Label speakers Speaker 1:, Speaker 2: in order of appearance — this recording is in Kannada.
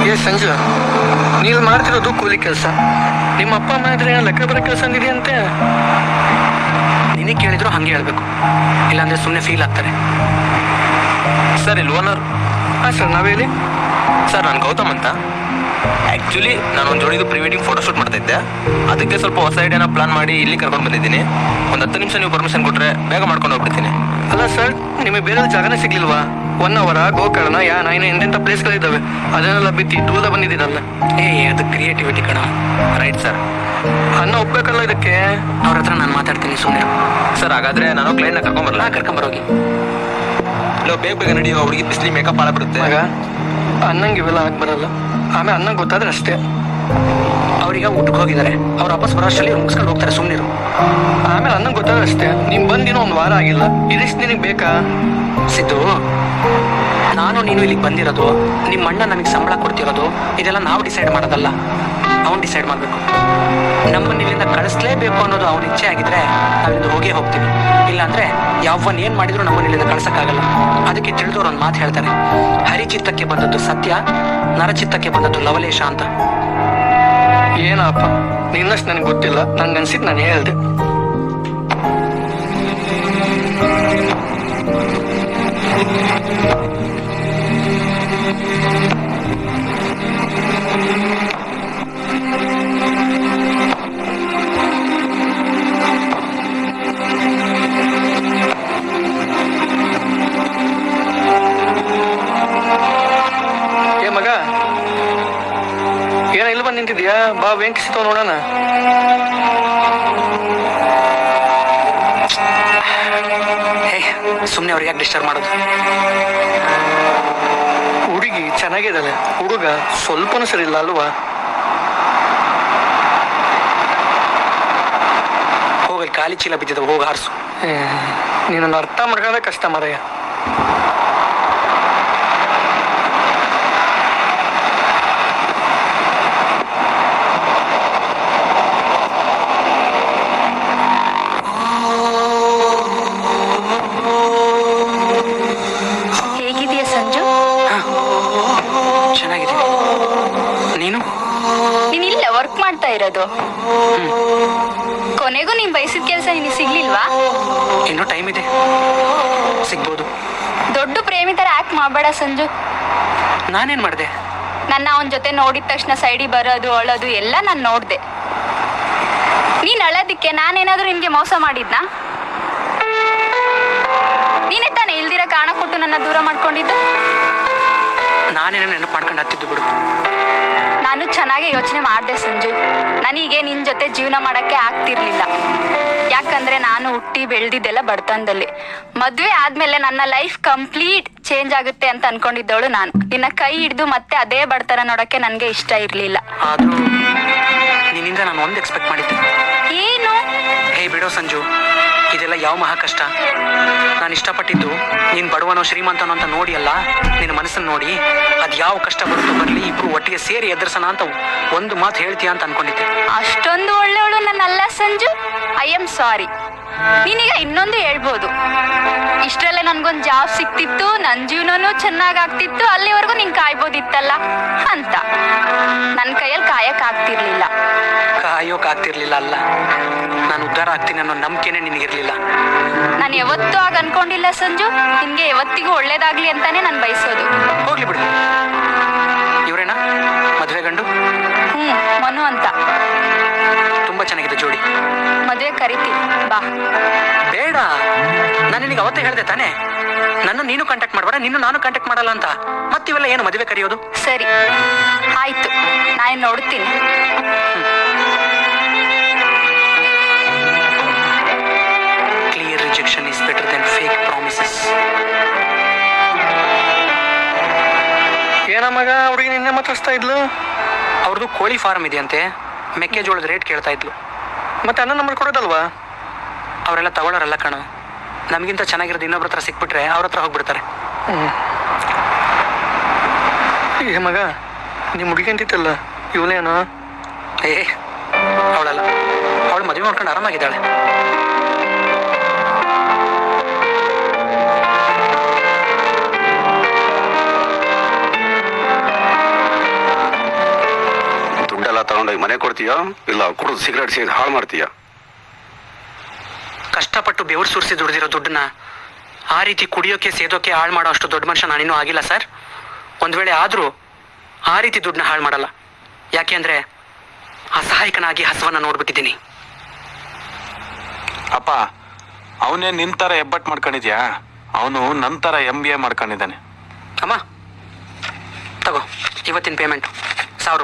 Speaker 1: ಏ ಸಂಜು, ನೀವು ಮಾಡ್ತಿರೋದು ಕೂಲಿ ಕೆಲಸ. ನಿಮ್ಮ ಅಪ್ಪ ಅಮ್ಮ ಇದ್ರೆ ಲೆಕ್ಕ ಬರೋ ಕೆಲಸ ಅಂದಿದೆಯಂತೆ.
Speaker 2: ನಿನಗೆ ಕೇಳಿದ್ರು ಹಂಗೆ ಹೇಳ್ಬೇಕು, ಇಲ್ಲಾಂದ್ರೆ ಸುಮ್ಮನೆ ಫೀಲ್ ಆಗ್ತಾರೆ.
Speaker 3: ಸರ್ ಇಲ್ಲಿ ಓನರ್.
Speaker 1: ಹಾಂ ಸರ್, ನಾವೇಳಿ.
Speaker 3: ಸರ್ ನಾನು ಗೌತಮ್ ಅಂತ. ಆ್ಯಕ್ಚುಲಿ ನಾನು ಒಂದು ಜೋಡಿದು ಪ್ರೀ ವೆಡ್ಡಿಂಗ್ ಫೋಟೋಶೂಟ್ ಮಾಡ್ತಾ ಇದ್ದೆ. ಅದಕ್ಕೆ ಸ್ವಲ್ಪ ಹೊಸ ಐಡಿಯಾನ ಪ್ಲಾನ್ ಮಾಡಿ ಇಲ್ಲಿ ಕರ್ಕೊಂಡು ಬಂದಿದ್ದೀನಿ. ಒಂದು 10 ನಿಮಿಷ ನೀವು ಪರ್ಮಿಷನ್ ಕೊಟ್ಟರೆ ಬೇಗ ಮಾಡ್ಕೊಂಡು ಹೋಗ್ಬಿಡ್ತೀನಿ.
Speaker 1: ಅಲ್ಲ ಸರ್, ನಿಮಗೆ ಬೇರೆ ಜಾಗನೇ ಸಿಗ್ಲಿಲ್ವಾ? ಹೊನ್ನಾವರ, ಗೋಕರ್ಣ, ಯಾನ ಇನ್ನು ಎಂತೆಂಥ ಪ್ಲೇಸ್ಗಳಿದ್ದಾವೆ, ಅದನ್ನೆಲ್ಲ ಬಿತ್ತಿ ದೂರ ಬಂದಿದ್ದೀರಲ್ಲ.
Speaker 2: ಅದು ಕ್ರಿಯೇಟಿವಿಟಿ ಕಣ.
Speaker 3: Right sir.
Speaker 1: ಅನ್ನ ಒಪ್ಬೇಕಲ್ಲ ಇದಕ್ಕೆ.
Speaker 2: ಅವ್ರ ಹತ್ರ ನಾನು ಮಾತಾಡ್ತೀನಿ, ಸುಮ್ಮನೆ.
Speaker 3: ಸರ್ ಹಾಗಾದ್ರೆ ನಾನು ಕ್ಲೈಂಟ್ನ ಕರ್ಕೊಂಬರಲ್ಲ?
Speaker 2: ಕರ್ಕೊಂಬರೋಗಿ.
Speaker 3: ಬೇಗ ಬೇಗ ನಡಿ, ಹುಡುಗಿ ಬಿಸಿಲಿ ಮೇಕಪ್ ಹಾಳಾಗ್ಬಿಡುತ್ತೆ.
Speaker 1: ಆಗ ಅನ್ನಂಗೆ ಇವೆಲ್ಲ ಆಗಿ ಬರಲ್ಲ. ಆಮೇಲೆ ಅನ್ನಂಗೆ ಗೊತ್ತಾದ್ರೆ ಅಷ್ಟೇ.
Speaker 2: ಅವ್ರೀಗ ಊಟಕ್ಕೆ ಹೋಗಿದ್ದಾರೆ, ಅವ್ರ ವಾಪಸ್ ಬರೋಷ್ಟರಲ್ಲಿ ಮುಗಿಸ್ಕೊಂಡು ಹೋಗ್ತಾರೆ, ಸುಮ್ಮನಿರು.
Speaker 1: ಆಮೇಲೆ ಅನ್ನಂಗೆ ಗೊತ್ತಾದ್ರೆ ಅಷ್ಟೇ. ನೀನು ಬಂದಿನೋ 1 ವಾರ ಆಗಿಲ್ಲ, ಇದಿಷ್ಟು ನಿನಗೆ ಬೇಕಾ?
Speaker 2: ಸಿದ್ದು, ನಾನು ನೀನು ಇಲ್ಲಿಗೆ ಬಂದಿರೋದು, ನಿಮ್ಮ ಅಣ್ಣ ನಮಗೆ ಸಂಬಳ ಕೊಡ್ತಿರೋದು, ಇದೆಲ್ಲ ನಾವು ಡಿಸೈಡ್ ಮಾಡೋದಲ್ಲ, ಅವ್ನು ಡಿಸೈಡ್ ಮಾಡಬೇಕು. ನಮ್ಮನ್ನ ಇಲ್ಲಿಂದ ಕಳಿಸ್ಲೇಬೇಕು ಅನ್ನೋದು ಅವ್ನ ಇಚ್ಛೆ ಆಗಿದ್ರೆ ನಾವಿಂದ ಹೋಗೇ ಹೋಗ್ತೀವಿ. ಇಲ್ಲಾಂದ್ರೆ ಯಾವನ್ ಏನ್ ಮಾಡಿದ್ರು ನಮ್ಮನ್ನ ಇಲ್ಲಿಂದ ಕಳ್ಸಕ್ಕಾಗಲ್ಲ. ಅದಕ್ಕೆ ತಿಳಿದವ್ರು ಒಂದು ಮಾತು ಹೇಳ್ತಾರೆ, ಹರಿಚಿತ್ತಕ್ಕೆ ಬಂದದ್ದು ಸತ್ಯ, ನರಚಿತ್ತಕ್ಕೆ ಬಂದದ್ದು ಲವಲೇಶ ಅಂತ.
Speaker 1: ಏನಪ್ಪ, ನಿನ್ನಷ್ಟು ನನಗೆ ಗೊತ್ತಿಲ್ಲ, ನಂಗನ್ಸಿದ್ದು ನಾನು ಹೇಳ್ದೆ. ಏ ಮಗ, ಏನ ಇಲ್ಲಿ ಬಂದು ನಿಂತಿದ್ಯಾ? ಬಾ, ವೆಂಕಿ ಸಿಗ್ತಾವ ನೋಡೋಣ.
Speaker 2: ಸುಮ್ಮನೆ ಅವ್ರಿಗೆ ಯಾಕೆ ಡಿಸ್ಟರ್ಬ್ ಮಾಡೋದು?
Speaker 1: ಹುಡುಗಿ ಚೆನ್ನಾಗಿದ್ದಾಳೆ, ಹುಡುಗ ಸ್ವಲ್ಪನೂ ಸರಿ ಇಲ್ಲ ಅಲ್ವಾ?
Speaker 2: ಹೋಗಲ್ಲಿ ಖಾಲಿ ಚೀಲ ಬಿದ್ದಿದ್ದಾವೆ, ಹೋಗಿ ಹಾರಿಸು.
Speaker 1: ನೀನನ್ನು ಅರ್ಥ ಮಾಡ್ಕೊಳ್ಳೋದೇ ಕಷ್ಟ ಮಾರಾಯ.
Speaker 4: ಹೇಗಿದೆಯಾ ಸಂಜು?
Speaker 2: ಚೆನ್ನಾಗಿದೆ. ನೀನು
Speaker 4: ನೀನಿಲ್ಲ ವರ್ಕ್ ಮಾಡ್ತಾ ಇರೋದು? ಕೊನೆಗೂ ನೀನ್ ಬಯಸಿದ ಕೆಲಸ ನಿನಗೆ ಸಿಗ್ಲಿಲ್ವಾ?
Speaker 2: ಇನ್ನೂ ಟೈಮ್ ಇದೆ, ಸಿಗ್ಬೋದು.
Speaker 4: ದೊಡ್ಡ ಪ್ರೇಮಿ ತರ ಆಕ್ಟ್ ಮಾಡಬೇಡ ಸಂಜು.
Speaker 2: ನಾನೇನ್ ಮಾಡಿದೆ?
Speaker 4: ನನ್ನ ಅವನ ಜೊತೆ ನೋಡಿದ ತಕ್ಷಣ ಸೈಡಿ ಬರೋದು, ಅಳೋದು ಎಲ್ಲ ನಾನು ನೋಡ್ದೆ. ನೀನ್ ಅಳೋದಿಕ್ಕೆ ನಾನೇನಾದ್ರೂ ನಿನ್ಗೆ ಮೋಸ ಮಾಡಿದ್ನಾ? ನೀನೇ ತಾನೇ ಇಲ್ದಿರ ಕಾರಣ ಕೊಟ್ಟು ನನ್ನ ದೂರ ಮಾಡ್ಕೊಂಡಿದ್ದು.
Speaker 2: ನಾನೇನೋ ನೆನಪು ಮಾಡ್ಕೊಂಡು ಹತ್ತಿದ್ದು ಬಿಡು.
Speaker 4: ನಾನು ಚೆನ್ನಾಗಿ ಯೋಚನೆ ಮಾಡಿದೆ ಸಂಜು. ನನಗೆ ನಿನ್ನ ಜೊತೆ ಜೀವನ ಮಾಡೋಕ್ಕೆ ಆಗ್ತಿರ್ಲಿಲ್ಲ. ಯಾಕಂದ್ರೆ ನಾನು ಹುಟ್ಟಿ ಬೆಳೆದಿದ್ದೆಲ್ಲ ಬಡತನದಲ್ಲಿ. ಮದುವೆ ಆದ್ಮೇಲೆ ನನ್ನ ಲೈಫ್ ಕಂಪ್ಲೀಟ್ ಚೇಂಜ್ ಆಗುತ್ತೆ ಅಂತ ಅನ್ಕೊಂಡಿದ್ದವಳು ನಾನು. ನಿನ್ನ ಕೈ ಹಿಡಿದು ಮತ್ತೆ ಅದೇ ಬಡತನ ನೋಡೋಕ್ಕೆ ನನಗೆ ಇಷ್ಟ ಇರಲಿಲ್ಲ.
Speaker 2: ಆದ್ರೂ ನಿನ್ನಿಂದ ನಾನು ಒಂದು ಎಕ್ಸ್ಪೆಕ್ಟ್ ಮಾಡಿದ್ದೆ.
Speaker 4: ಏನು?
Speaker 2: ಹೇ ಬಿಡೋ ಸಂಜು, ಇದೆಲ್ಲ ಯಾವ ಮಹಾ ಕಷ್ಟ. ನಾನು ಇಷ್ಟಪಟ್ಟಿದ್ದು ನೀನು ಬಡವನೋ ಶ್ರೀಮಂತನೋ ಅಂತ ನೋಡಿ ಅಲ್ಲ, ನಿನ್ನ ಮನಸ್ಸನ್ನು ನೋಡಿ ಅದು ಯಾವ ಕಷ್ಟ ಬರುತ್ತೋ ಬರಲಿ, ಇಬ್ರು ಒಟ್ಟಿಗೆ ಸೇರಿ ಎದುರಿಸೋಣ ಅಂತ ಒಂದು ಮಾತು ಹೇಳ್ತೀಯ ಅಂತ ಅನ್ಕೊಂಡಿದ್ದೆ.
Speaker 4: ಅಷ್ಟೊಂದು ಒಳ್ಳೆಯವಳು ನನ್ನಲ್ಲ ಸಂಜು. I am sorry. ನೀನೀಗ ಇನ್ನೊಂದು ಹೇಳ್ಬೋದು, ಇಷ್ಟರಲ್ಲೇ ನನ್ಗೊಂದು ಜಾಬ್ ಸಿಕ್ತಿತ್ತು, ನನ್ನ ಜೀವನನೂ ಚೆನ್ನಾಗಾಗ್ತಿತ್ತು, ಅಲ್ಲಿವರೆಗೂ ನೀನ್ ಕಾಯ್ಬೋದಿತ್ತಲ್ಲ ಅಂತ. ನನ್ನ ಕೈಯಲ್ಲಿ ಕಾಯಕ್ಕಾಗ್ತಿರ್ಲಿಲ್ಲ.
Speaker 2: ಕಾಯೋಕಾಗ್ತಿರ್ಲಿಲ್ಲ ಅಲ್ಲ, ನಾನು ಉದ್ಧಾರ ಆಗ್ತೀನಿ ಅನ್ನೋ ನಂಬಿಕೆನೇ ನಿನಗಿರ್ಲಿಲ್ಲ.
Speaker 4: ನಾನು ಯಾವತ್ತೂ ಆಗ ಅನ್ಕೊಂಡಿಲ್ಲ ಸಂಜು. ನಿನ್ಗೆ ಯಾವತ್ತಿಗೂ ಒಳ್ಳೇದಾಗ್ಲಿ ಅಂತಾನೆ ನಾನು ಬಯಸೋದು.
Speaker 2: ಹೋಗ್ಲಿ ಬಿಡು. ಇವರೇನಾ ಮದುವೆ ಗಂಡು?
Speaker 4: ಮನು ಅಂತ.
Speaker 2: ತುಂಬಾ ಚೆನ್ನಾಗಿದೆ ಜೋಡಿ.
Speaker 4: ಮದುವೆ ಕರಿತೀನಿ ಬಾ.
Speaker 2: ಬೇಡ, ನಾನು ನಿನಗೆ ಅವತ್ತೇ ಹೇಳ್ದೆ ತಾನೇ, ನನ್ನ ನೀನು ಕಾಂಟ್ಯಾಕ್ಟ್ ಮಾಡಬೇಡ, ನಿನ್ನ ನಾನು ಕಾಂಟ್ಯಾಕ್ಟ್ ಮಾಡಲ್ಲ ಅಂತ. ಮತ್ತಿವೆಲ್ಲ ಏನು ಮದುವೆ ಕರೆಯೋದು?
Speaker 4: ಸರಿ ಆಯ್ತು, ನಾನು ನೋಡ್ತೀನಿ.
Speaker 2: Clear rejection is better than fake promises.
Speaker 1: ಏನ ಮಗ, ಹುಡುಗಿ ನಿನ್ನೆ ಮಾತಾಡ್ಸ್ತಾ ಇದ್ಲು?
Speaker 2: ಅವ್ರದ್ದು ಕೋಳಿ ಫಾರ್ಮ್ ಇದೆಯಂತೆ, ಮೆಕ್ಕೆಜೋಳದ ರೇಟ್ ಕೇಳ್ತಾ ಇದ್ಲು.
Speaker 1: ಮತ್ತೆ ಅನ್ನ ನಂಬರ್ ಕೊಡೋದಲ್ವಾ?
Speaker 2: ಅವರೆಲ್ಲ ತಗೊಳ್ಳೋರಲ್ಲ ಕಣೋ. ನಮಗಿಂತ ಚೆನ್ನಾಗಿರೋದು ಇನ್ನೊಬ್ರ ಹತ್ರ ಸಿಕ್ಬಿಟ್ರೆ ಅವ್ರ ಹತ್ರ ಹೋಗ್ಬಿಡ್ತಾರೆ.
Speaker 1: ಏ ಮಗ, ನಿಮ್ಮ ಹುಡುಗಿ ಅಂತಿತ್ತಲ್ಲ, ಇವಳೇನು?
Speaker 2: ಅವಳಲ್ಲ, ಅವಳು ಮದುವೆ ಮಾಡ್ಕೊಂಡು ಆರಾಮಾಗಿದ್ದಾಳೆ.
Speaker 5: ಮಾಡ್ತೀಯಾ ಇಲ್ಲ ಕುಡಿದು ಸಿಗರೇಟ್ ಸೇರಿ ಹಾಳು ಮಾಡ್ತೀಯಾ?
Speaker 2: ಕಷ್ಟಪಟ್ಟು ಬೆವರು ಸುರಿಸಿ ದುಡ್ದಿರೋ ದುಡ್ಡನ್ನ ಆ ರೀತಿ ಕುಡಿಯೋಕೆ ಸೇದೋಕೆ ಹಾಳು ಮಾಡೋ ಅಷ್ಟು ದೊಡ್ಡ ಮನುಷ್ಯ ನಾನಿನ್ನೂ ಆಗಿಲ್ಲ ಸರ್. ಒಂದು ವೇಳೆ ಆದರೂ ಆ ರೀತಿ ದುಡ್ಡನ್ನ ಹಾಳು ಮಾಡಲ್ಲ. ಯಾಕೆ ಅಂದರೆ ಅಸಹಾಯಕನಾಗಿ ಹಸುವನ್ನು ನೋಡ್ಬಿಟ್ಟಿದ್ದೀನಿ.
Speaker 6: ಅಪ್ಪ, ಅವನೇ ನಿನ್ ಥರ ಹೆಬ್ಬಟ್ಟು ಮಾಡ್ಕೊಂಡಿದ್ಯಾ? ಅವನು ನನ್ನ ಥರ MBA ಮಾಡ್ಕೊಂಡಿದ್ದಾನೆ.
Speaker 2: ಅಮ್ಮ ತಗೋ ಇವತ್ತಿನ ಪೇಮೆಂಟು.